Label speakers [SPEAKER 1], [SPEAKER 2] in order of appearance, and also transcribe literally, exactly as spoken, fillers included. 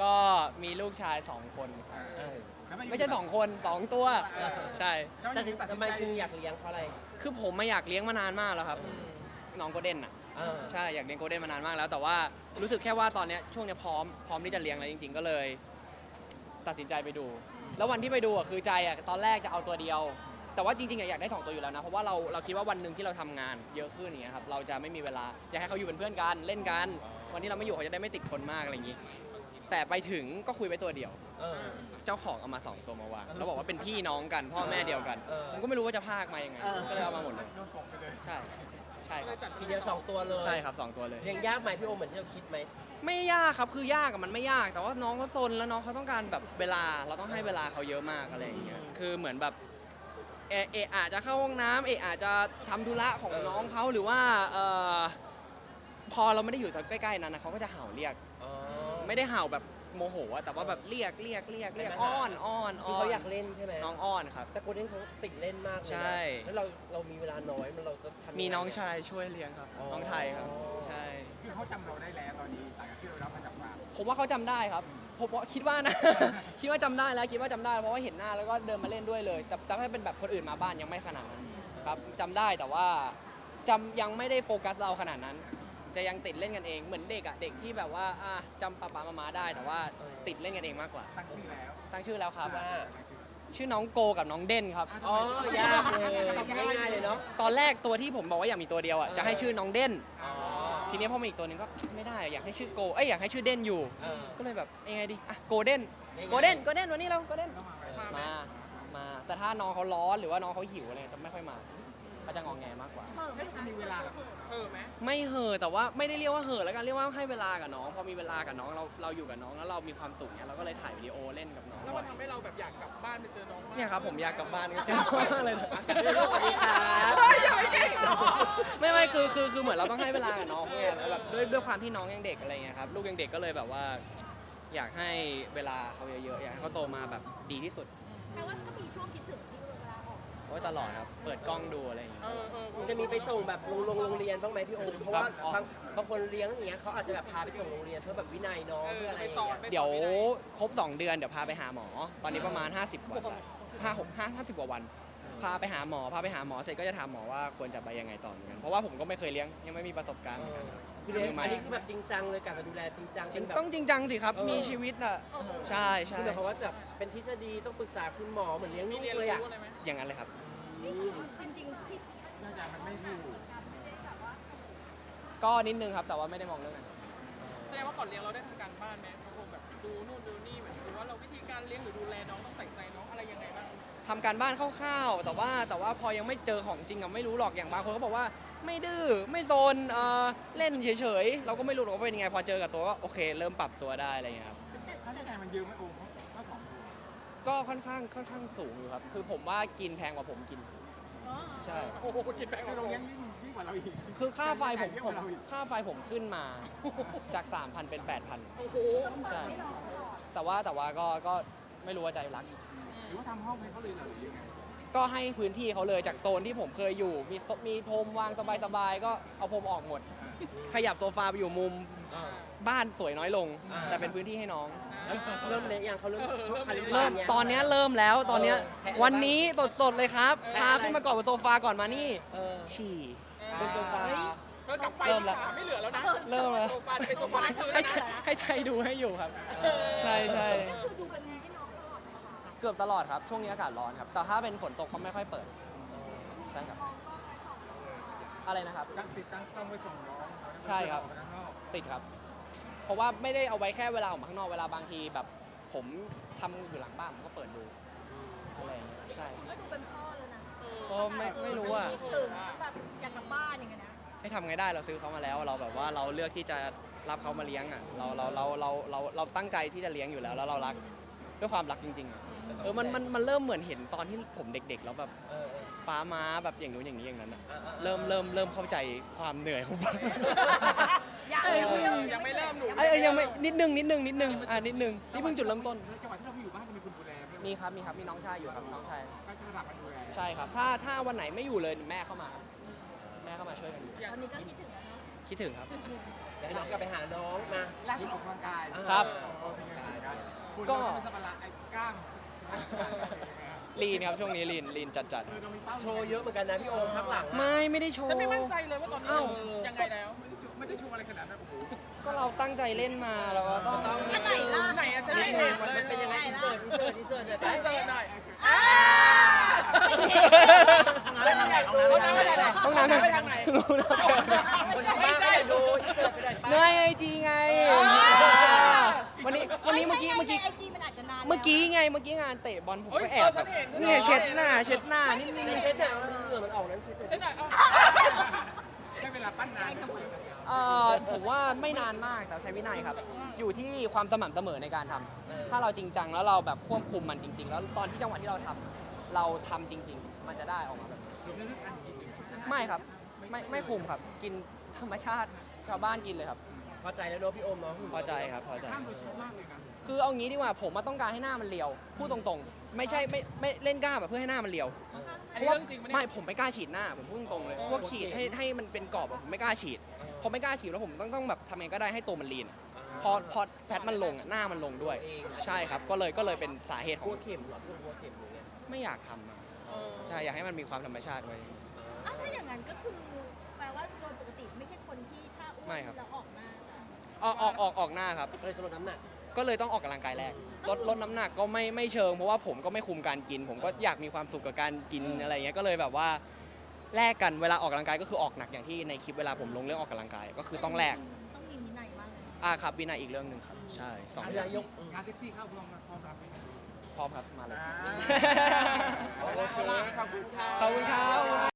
[SPEAKER 1] ก็มีลูกชายสองคนครับ
[SPEAKER 2] เออ
[SPEAKER 1] ไม่ใช่สองคนสองตัวใช่
[SPEAKER 2] แต่ทำไมคุณอยากเลี้ยงเพราะอะไร
[SPEAKER 1] คือผมไม่อยากเลี้ยงมานานมากแล้วครับน้องโกลเด้นอ่ะ
[SPEAKER 2] เออ
[SPEAKER 1] ใช่อยากเลี้ยงโกลเด้นมานานมากแล้วแต่ว่ารู้สึกแค่ว่าตอนเนี้ยช่วงเนี้ยพร้อมพร้อมที่จะเลี้ยงแล้วจริง ๆ ก็เลย ตัดสินใจไปดู แล้ววันที่ไปดูอ่ะคือใจอ่ะตอนแรกจะเอาตัวเดียว แต่ว่าจริงๆอ่ะอยากได้สองตัวอยู่แล้วนะเพราะว่าเราเราคิดว่าวันหนึ่งที่เราทำงานเยอะขึ้นอย่างเงี้ยครับเราจะไม่มีเวลาอยากให้เขาอยู่เป็นเพื่อนกันเล่นกันวันที่เราไม่อยู่เขาจะได้ไม่ติดคนมากอะไรอย่างงี้ แต่ไปถึงก็คุยไว้ตัวเดียว
[SPEAKER 2] เออ
[SPEAKER 1] เจ้าของเอามาสองตัวมาวางแล้วบอกว่าเป็นพี่น้องกันพ่อแม่เดียวกัน
[SPEAKER 2] เออ
[SPEAKER 1] ผมก็ไม่รู้ว่าจะพากมายังไง
[SPEAKER 2] เออ
[SPEAKER 1] ก็เลยเอามาหมดเลย
[SPEAKER 3] โดนตกไปเลย
[SPEAKER 1] ใช่ใช่ครับ
[SPEAKER 2] ทีเดียวสองตัวเลย
[SPEAKER 1] ใช่ครับสองตัวเลย
[SPEAKER 2] เลี้ยงยากไหมพี่โอมเหมือนที่เราคิดไหม
[SPEAKER 1] ไม่ยากครับคือยากอะมันไม่ยากแต่ว่าน้องเขาซนแล้วน้องเขาต้องการแบบเวลาเราต้องให้เวลาเขาเยอะมากอะไรอย่างเงี้ยคือเหมือนแบบเอเอะอาจจะเข้าห้องน้ำเอะอาจจะทำธุระของน้องเขาหรือว่าเอ่อพอเราไม่ได้อยู่ใกล้ๆนั้นนะเขาก็จะเห่าเรียก
[SPEAKER 2] อ๋อ
[SPEAKER 1] ไม่ได้เห่าแบบโมโหอะแต่ว่าแบบเรียกเรียกเรียกเรียก
[SPEAKER 2] ไม่มา
[SPEAKER 1] อ้อนอ้อนอ้
[SPEAKER 2] คือ
[SPEAKER 1] อน
[SPEAKER 2] เขาอยากเล่นใช่ไหม
[SPEAKER 1] น้องอ้อนครับ
[SPEAKER 2] แต่โกลเด้นเขาติดเล่นมากเลยนะ
[SPEAKER 1] ใช่
[SPEAKER 2] แล้วเราเรามีเวลาน้อยมันเราจะทำยัไ
[SPEAKER 1] มีน้องชายช่วยเลี้ยงครับ
[SPEAKER 2] อ๋อ
[SPEAKER 1] น้องไทยครับใช่
[SPEAKER 3] คือเขาจำเราได้แล้วตอนนี้หลังจากที่เรารับมาจากฟาร์ม
[SPEAKER 1] ผมว่าเขาจำได้ครับผมว่าคิดว่านะ คิดว่าจำได้แล้วคิดว่าจำได้เพราะว่าเห็นหน้าแล้วก็เดินมาเล่นด้วยเลยแต่แต่ถ้าเป็นแบบคนอื่นมาบ้านยังไม่ขนาดนั้นครับจำได้แต่ว่าจำยังไม่ได้โฟกัสเราขนาดนั้น จะยังติดเล่นกันเองเหมือนเด็กอะเด็กที่แบบว่าอ่ะจำป๊าป๊ามามาได้ แต่ว่าติดเล่นกันเองมากกว่า
[SPEAKER 3] ตั้งชื่อแล้ว
[SPEAKER 1] ตั้งชื่อแล้วครับ
[SPEAKER 2] ว่า
[SPEAKER 1] ชื่อน้องโกกับน้องเด่นครับ
[SPEAKER 2] อ๋อยากเลยง่ายๆเลยเนาะ
[SPEAKER 1] ตอนแรกตัวที่ผมบอกว่าอยากมีตัวเดียวอะจะให้ชื่อน้องเด่น
[SPEAKER 2] อ๋อ
[SPEAKER 1] ทีนี้พอมาอีกตัวหนึงก็ ไม่ได้อยากให้ชื่อโกเอ้ยอยากให้ชื่อเด่นอยู่
[SPEAKER 2] เออ
[SPEAKER 1] ก็เลยแบบยังไงดีอ่ะโกลเด้น
[SPEAKER 2] ง่ายๆ
[SPEAKER 1] โกลเด้นโกลเด้นวันนี้เราโกลเด้น
[SPEAKER 3] ต้องมาไหม
[SPEAKER 1] มา มา แต่ถ้าน้องเขาร้อนหรือว่าน้องเขาหิวอะไรจะไม่ค่อยมาเขาจะงอแงมากกว่า
[SPEAKER 3] เฮ้ยเราจะมีเวลากับ
[SPEAKER 4] เออไหม
[SPEAKER 1] ไม่เห่อะแต่ว่าไม่ได้เรียกว่าเห่อะแล้วกันเรียกว่าให้เวลากับน้อง พอมีเวลากับน้องเราเราอยู่กับน้องแล้วเรามีความสุขเนี่ยเราก็เลยถ่ายวิดีโอเล่นกับน้อง
[SPEAKER 4] แล้วมันทำให้เราแบบอยากกลับบ้านไปเจอน้องมาก
[SPEAKER 1] เนี่ยครับผมอยากกลับบ้านก็เจอน้องมากเลยนะ
[SPEAKER 2] สวัสดีครับ
[SPEAKER 4] เฮ้ยอย่าไปเก่งหรอ
[SPEAKER 1] ไม่ไม่คือคือคือเหมือนเราต้องให้เวลากับน้องไงแล้วแบบด้วยด้วยความที่น้องยังเด็กอะไรเงี้ยครับลูกยังเด็กก็เลยแบบว่า อยากให้เวลาเขาเยอะๆอยากให้เขาโตมาแบบดีที่สุด
[SPEAKER 5] แปลว่าก็มีช่วงคิดถึงที่เวลาออก
[SPEAKER 1] โอ้ยตลอดครับเปิดกล้องดูอะไรอย่างเงี้ย
[SPEAKER 4] เออเออ
[SPEAKER 2] มันจะมีไปส่งแบบโรงโรงโรงเรียนบ้างไหมพี่โอมเพราะว่า
[SPEAKER 1] ครับ
[SPEAKER 2] บางบางคนเลี้ยงอย่างเงี้ยเขาอาจจะแบบพาไปส่งโรงเรียนเพื่อแบบวินัยน้อง
[SPEAKER 4] เอ
[SPEAKER 2] เพื่อ
[SPEAKER 4] อ
[SPEAKER 2] อะไร
[SPEAKER 4] ไป
[SPEAKER 2] อย่าง
[SPEAKER 4] สอน
[SPEAKER 2] เงี้ย
[SPEAKER 4] ไปสอน
[SPEAKER 1] เดี๋ยว
[SPEAKER 4] ไม่ไ
[SPEAKER 1] ครบสองเดือนเดี๋ยวพาไปหาหมอ ตอนนี้ประมาณ ห้าสิบวันละห้าหกห้าห้าสิบกว่าวัน พาไปหาหมอพาไปหาหมอเสร็จก็จะถามหมอว่าควรจะไปยังไงต่อเหมือนกันเพราะว่าผมก็ไม่เคยเลี้ยงยังไม่มีประสบการณ์เหมือนกันครับ
[SPEAKER 2] คือเลี้ยง
[SPEAKER 1] มือใหม่
[SPEAKER 2] อันนี้คือแบบจริงจังเลยการดูแลจริงจัง
[SPEAKER 1] จริง
[SPEAKER 2] เป็นแบบ
[SPEAKER 1] ต้องจริงจังสิครับ
[SPEAKER 2] เออ
[SPEAKER 1] มีชีวิตอ่ะใช่ใช่
[SPEAKER 2] คือหมายความว่าแบบเป็นทฤษฎีต้องปรึกษาคุณหมอเหมือนเลี้ยง
[SPEAKER 4] มี
[SPEAKER 2] ลูก
[SPEAKER 4] เรียน
[SPEAKER 2] เลย
[SPEAKER 4] รู้
[SPEAKER 2] อ่ะ
[SPEAKER 4] อะไรไหม
[SPEAKER 1] อย่างนั้นเลยครับ
[SPEAKER 5] จริงๆที่
[SPEAKER 3] น่าจะมันไม่ถูก
[SPEAKER 5] ไม่ได้แบบว่า
[SPEAKER 1] ก็นิดนึงครับแต่ว่าไม่ได้มองเรื่องนั้น
[SPEAKER 4] แสดงว่าก่อนเลี้ยงเราได้ทำการบ้านไหมบางคนแบบดูนู่นดูนี่แบบดูว่าเราวิธีการเลี้ยงหรือดูแลน้องต้องใส่ใจน้องอะไรยังไงบ้าง
[SPEAKER 1] ทำการบ้านคร่าวๆแต่ว่าแต่ว่าพอยังไม่เจอของจริงอะไม่รู้หรอกอย่างบางคนเขาบอกว่าไม่ดื้อไม่โซนเอ่อเล่นเฉยๆเราก็ไม่รู้หรอกว่าเป็นยังไงพอเจอกับตัวก็โอเค เริ่มปรับตัวได้อะไรอย่างเงี้ยครับ
[SPEAKER 3] ค่าใช้จ่ายมันเยอะไหมโอ้มก็สองตัว
[SPEAKER 1] ก็ค่อนข้างค่อนข้างสูงอยู่ครับคือผมว่ากินแพงกว่าผมกิน
[SPEAKER 5] อ๋อ
[SPEAKER 1] ใช่
[SPEAKER 4] โอ้โหกินแพงก
[SPEAKER 3] คือ
[SPEAKER 4] ว่า
[SPEAKER 3] เรา
[SPEAKER 4] ผม
[SPEAKER 3] เลี้ยงยิ่งยิ่งกว่าเราอีก
[SPEAKER 1] คือค่าไฟผม
[SPEAKER 3] เยอะ
[SPEAKER 1] ผ
[SPEAKER 3] ก
[SPEAKER 1] ม
[SPEAKER 3] ว่าเราอีก
[SPEAKER 1] ค่าไฟผมขึ้นมาจาก สามพัน เป็น แปดพัน
[SPEAKER 4] โอ้โห
[SPEAKER 1] ใช่แต่ว่าแต่ว่าก็ก็ไม่รู้ว่าใจรัก
[SPEAKER 3] หรือว่าทำห้องให้เขาเลยเหรอหรือยังไง
[SPEAKER 1] ก็ให้พื้นที่เขาเลยจากโซนที่ผมเคยอยู่ มีโต๊ะมีพรมวางสบายๆก็เอาพรมออกหมด ขยับโซฟาไปอยู่มุม
[SPEAKER 2] อ่า
[SPEAKER 1] บ้านสวยน้อยลง
[SPEAKER 2] อ่า
[SPEAKER 1] แต่เป็นพื้นที่ให้น้อง
[SPEAKER 2] แล้วเริ่มเลี้ยงยังเขาเริ่มเขาคาลิ
[SPEAKER 1] เริ่มตอนเนี้ยเริ่มแล้วตอนเนี้ย
[SPEAKER 2] เออแพะ
[SPEAKER 1] วันนี้สดๆเลยครับ
[SPEAKER 2] แพะ
[SPEAKER 1] พา
[SPEAKER 2] อะไร
[SPEAKER 1] ขึ้นมาก่อนบนโซฟาก่อนมานี่
[SPEAKER 2] เออ
[SPEAKER 1] ฉี่
[SPEAKER 2] บนโซฟา
[SPEAKER 4] เธอกลับไป
[SPEAKER 1] เริ่มแล้ว
[SPEAKER 4] ขาไม่เหลือแล้วนะ
[SPEAKER 1] เริ่มแล้ว
[SPEAKER 4] โซฟาเป็นโซฟาที่คืน
[SPEAKER 1] ให้
[SPEAKER 4] แล้วนะ
[SPEAKER 1] ให้ไทยดูให้อยู่ครับ ใช่ใช่
[SPEAKER 5] ก็คือดูกันให้น้องตลอดไหมคะ
[SPEAKER 1] เกือบตลอดครับ ช่วงนี้อากาศร้อนครับ แต่ถ้าเป็นฝนตกเขาไม่ค่อยเปิด ใช่ครับ อะไรนะครับ
[SPEAKER 3] ตั้งติดตั้งต้องไปส่งน้อง
[SPEAKER 1] ใช่ครับ
[SPEAKER 3] ออกไปข้างนอก
[SPEAKER 1] ติดครับ เพราะว่าไม่ได้เอาไว้แค่เวลาออกมาข้างนอกเวลาบางทีแบบ ผมทำอยู่หลังบ้านผมก็เปิดดูอะไรอย่างเงี้ยใช่
[SPEAKER 5] ก็ดูเป็นพ่อเลยนะ
[SPEAKER 1] ก็ไม่ไม่รู้อ่ะ
[SPEAKER 5] คิดถึงแบบอยากกลับบ้านอย่างเงี้ยนะ
[SPEAKER 1] ให้ทำไงได้เราซื้อเขามาแล้ว เราแบบว่าเราเลือกที่จะรับเขามาเลี้ยงอ่ะเราเราเราเราเราเราตั้งใจที่จะเลี้ยงอยู่แล้วแล้วเรารักด้วยความรักจริงๆอ่ะเออมันมันมันเริ่มเหมือนเห็นตอนที่ผมเด็กๆแล้วแบบ
[SPEAKER 2] เออเออ
[SPEAKER 1] ป้าม้าแบบอย่างนู้นอย่างนี้อย่างนั้นอ่ะ
[SPEAKER 2] อ่าอ่า
[SPEAKER 1] เริ่มเริ่มเริ่มเข้าใจความเหนื่อยของป้า
[SPEAKER 5] ยังไม่เริ่ม
[SPEAKER 4] ยังไม่เริ่มหนู
[SPEAKER 1] เอ้ยเอ้ยยังไม่นิดนึงนิดนึงนิดนึงอ่านิดนึงนี่เพิ่งจุดเริ่มต้น
[SPEAKER 3] จังหวะที่เราไม่อยู่บ้านจะมีคนดูแลไห
[SPEAKER 1] มีครับมีครับมีน้องชายอยู่ครับน้องชาย
[SPEAKER 3] ก็จะสลับกันดูแล
[SPEAKER 1] ใช่ครับถ้าถ้าวันไหนไม่อยู่เลยแม่เข้ามาครับแม่เข้ามาช่วยกันดู
[SPEAKER 5] ตอนนี้ก็คิดถึงแล้วเนาะ
[SPEAKER 1] คิดถึงครับ
[SPEAKER 2] เดี๋ยวให้น้องกลับไปหาน้องมา
[SPEAKER 3] ล่าสุดออกกำลังกาย
[SPEAKER 1] ครับ
[SPEAKER 3] อ๋อเป็นไงคุณเราจะเป็นสปาระไอ้กล้าม
[SPEAKER 1] ลีนครับช่วงนี้ลีนลีนจัดจัด
[SPEAKER 3] คือเรามีเป้า
[SPEAKER 2] โชว์เยอะเหมือนกันนะพี่โอมพักหลัง
[SPEAKER 1] ๆไม่ไม่ได้โชว์
[SPEAKER 4] ฉันไม่มั่นใจเลยว่าตอนนี้
[SPEAKER 1] เอ้า
[SPEAKER 4] ยังไงแล้ว
[SPEAKER 3] ไม่ได้โชว์ไม่ได้โชว์อะไรขนาดนั้นโอ้โห
[SPEAKER 1] ก็เราตั้งใจเล่นมาเราก็ต้อง
[SPEAKER 5] อันไหนล่ะ
[SPEAKER 4] ไหนอะจะได้
[SPEAKER 2] นี่
[SPEAKER 4] เห็น
[SPEAKER 2] มัน
[SPEAKER 4] เลย
[SPEAKER 2] เป็นยังไงอินเสิร์ตอินเสิร์ตอินเสิร์ตเนี่ยไป
[SPEAKER 4] เสิร์ชหน่อย
[SPEAKER 5] อ่าไม่เห็น
[SPEAKER 2] แล้วนี่อยากดู
[SPEAKER 4] ห้องน้ำไปทางไหน
[SPEAKER 1] ห้องน้ำ
[SPEAKER 4] ไปทางไหน
[SPEAKER 1] รู้นะเชิญ
[SPEAKER 2] คนทางบ้านก็อยากดูอินเสิร์ตไปไหนไป
[SPEAKER 1] เนื่อยไอจีไงวันนี้วันนี้เมื่อกี้เมื่อกี้
[SPEAKER 5] ไอจีมันอาจจะนาน
[SPEAKER 1] เมื่อกี้ไงเมื่อกี้งานเตะบอลผม
[SPEAKER 4] เฮ้ย
[SPEAKER 1] ก็แอบแบบ
[SPEAKER 4] เออฉันเห็น
[SPEAKER 1] เนี่ยเช็ดหน้าเช็ดหน้านิดนึง
[SPEAKER 2] ในเช็ดเนี่ยเหงื่อมันออกนั้นเช็ดเลย
[SPEAKER 4] ใช่หน่อยเอา
[SPEAKER 3] ใช้เวลาปั้นนานไหม
[SPEAKER 1] เอ่อผมว่าไม่นานมากแต่ใช้วินัยครับ อยู่ที่ความสม่ำเสมอในการทำถ้าเราจริงจังแล้วเราแบบควบคุมมันจริง ๆ แล้วตอนที่จังหวะที่เราทำเราทำจริง ๆ มันจะได้ออกมาแบบนี้
[SPEAKER 3] รวมในเรื่องการกินด้วยไหม
[SPEAKER 1] ไม่ครับไม่ไม่คุมครับ กินธรรมชาติชาวบ้านกินเลยครับ
[SPEAKER 2] พอใจแล้วเนอะพี่โอมเนาะ
[SPEAKER 1] พอใจครับพอใจ
[SPEAKER 3] ข้ามโดยชอบมากเลยนะ
[SPEAKER 1] คือเอางี้ดีกว่าผมมาต้องการให้หน้ามันเรียวพูดตรงๆ ไม่ใช่ไม่ไม่เล่นกล้ามแบบเพื่อให้หน้ามันเรียว
[SPEAKER 4] อัน
[SPEAKER 1] เพ
[SPEAKER 4] นี้
[SPEAKER 1] ราะว่า
[SPEAKER 4] เรื่องจริงปะเนี่ย
[SPEAKER 1] ไม่ผมไม่กล้าฉีดหน้าผมพูดตรงๆเลยพวกฉีดให้ให้มันเป็นกรอบอะผมไม่กล้าฉีดพอไม่กล้าฉีดแล้วผมต้องต้องแบบทำยังไงก็ได้ให้ตัวมันลีนอะพอพอแฟตมันลงอะหน้ามันลงด้วย ใช่ครับก็เลยก็เลยเป็นสาเหตุข
[SPEAKER 2] กลั
[SPEAKER 1] อ
[SPEAKER 2] ว
[SPEAKER 1] ง
[SPEAKER 2] เข็มเหรอพี่โอมกลัวเข็มอย่างเงี้ย
[SPEAKER 1] ไม่อยากทำอะ
[SPEAKER 4] เออ
[SPEAKER 1] ใช่อยากให้มันมีความธรรมชาติไว้
[SPEAKER 5] อ่ะถ้าอย่างนั้นก็คือแปลว่าโดยปกติไม่ใช่คนที่ถ้าอ้ว
[SPEAKER 1] ไม่
[SPEAKER 5] น
[SPEAKER 1] ครับ
[SPEAKER 5] แล้วออกมา
[SPEAKER 1] ออกออกออกออกหน้าครับ
[SPEAKER 2] ก็เลยต้องลดน้ำหนัก
[SPEAKER 1] ก็เลยต้องออกกำลังกายแรกลดลดน้ำหนักก็ไม่ไม่เชิงเพราะว่าผมก็ไม่คุมการกิน ผมก็อยากมีความสุขกับการกินอะไรเงี้ยก็เลยแบบว่าแลกกันเวลาออกกำลังกายก็คือออกหนักอย่างที่ในคลิปเวลาผมลงเรื่องออกกำลังกายก็คือต้องแลก
[SPEAKER 5] ต้องมีวินัยมากเลย
[SPEAKER 1] อ่าครับวินัยอีกเรื่องหนึ่งครับใช่สอง
[SPEAKER 3] งาน
[SPEAKER 1] อย่าง
[SPEAKER 3] ยกงานแท็กซี่เข้าพร้อมพร้อมรับไหม
[SPEAKER 1] พร้อมครับมาเลย
[SPEAKER 3] อ่า
[SPEAKER 2] โอเคขอบคุณค่ะ
[SPEAKER 1] ขอบคุณครับ